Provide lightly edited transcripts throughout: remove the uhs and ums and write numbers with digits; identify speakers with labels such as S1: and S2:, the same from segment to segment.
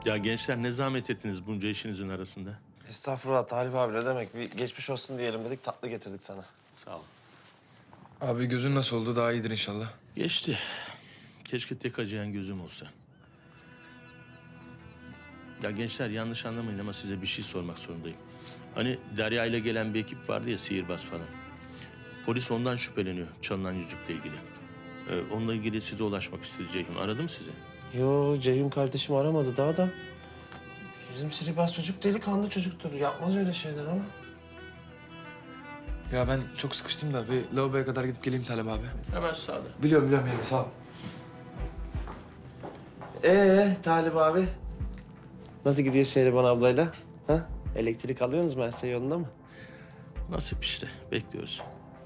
S1: Ya gençler ne zahmet ettiniz bunca işinizin arasında.
S2: Estağfurullah Talip abi, ne demek? Bir geçmiş olsun diyelim dedik, tatlı getirdik sana.
S1: Sağ ol.
S3: Abi gözün nasıl oldu? Daha iyidir inşallah.
S1: Geçti. Keşke tek acıyan gözüm olsa. Ya gençler yanlış anlamayın ama size bir şey sormak zorundayım. Hani Derya ile gelen bir ekip vardı ya, sihirbaz falan. Polis ondan şüpheleniyor çalınan yüzükle ilgili. Onunla ilgili size ulaşmak istedi Ceyhun. Aradı mı sizi?
S2: Yo, Ceyhun kardeşim aramadı daha da. Bizim sihirbaz çocuk delikanlı çocuktur. Yapmaz öyle şeyler ama.
S3: Ya ben çok sıkıştım da bir lavaboya kadar gidip geleyim Talep abi.
S1: Hemen sağda.
S3: Biliyorum yani sağ ol.
S2: Talip abi? Nasıl gidiyor Şehriban ablayla? Ha? Elektrik alıyorsunuz mu? Her şey yolunda mı?
S1: Nasip işte. Bekliyoruz.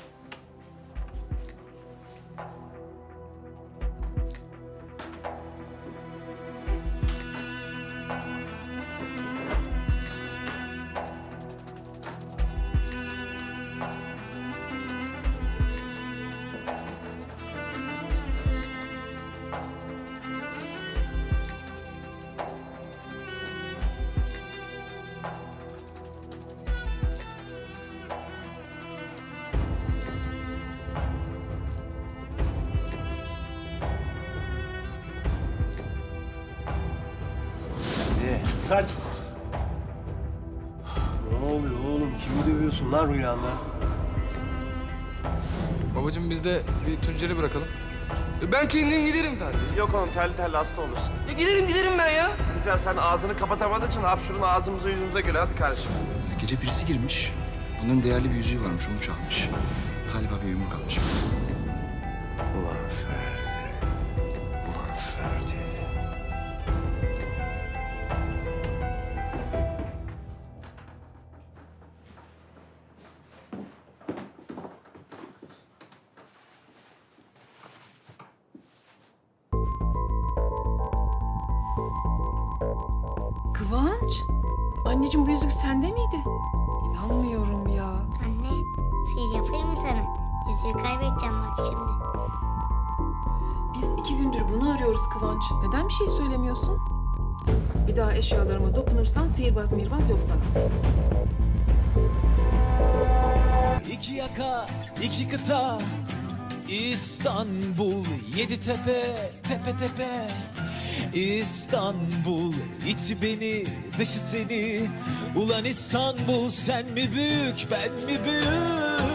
S4: Kaç. Ne oluyor oğlum? Kimi dövüyorsun lan rüyanda?
S3: Babacığım biz de bir Tuncer'i bırakalım. Ben kendim giderim tabii.
S2: Yok oğlum, terli terli hasta olursun.
S3: Giderim ben ya.
S2: Tuncer, sen ağzını kapatamadığın için hapşurun ağzımıza yüzümüze göre. Hadi kardeşim.
S5: Gece birisi girmiş. Bunların değerli bir yüzüğü varmış, onu çalmış. Talip abi yumruk atmış.
S4: Ulan Ferdi. Ulan Ferdi.
S6: Kıvanç? Anneciğim bu yüzük sende miydi? İnanmıyorum ya.
S7: Anne, sihir yapayım mı sana? Yüzüğü kaybedeceğim bak şimdi.
S6: Biz 2 gündür bunu arıyoruz Kıvanç. Neden bir şey söylemiyorsun? Bir daha eşyalarıma dokunursan sihirbaz mirbaz yok sana.
S8: İki yaka, iki kıta, İstanbul, yedi tepe, tepe tepe. İstanbul, içi beni, dışı seni. Ulan İstanbul, sen mi büyük, ben mi büyük?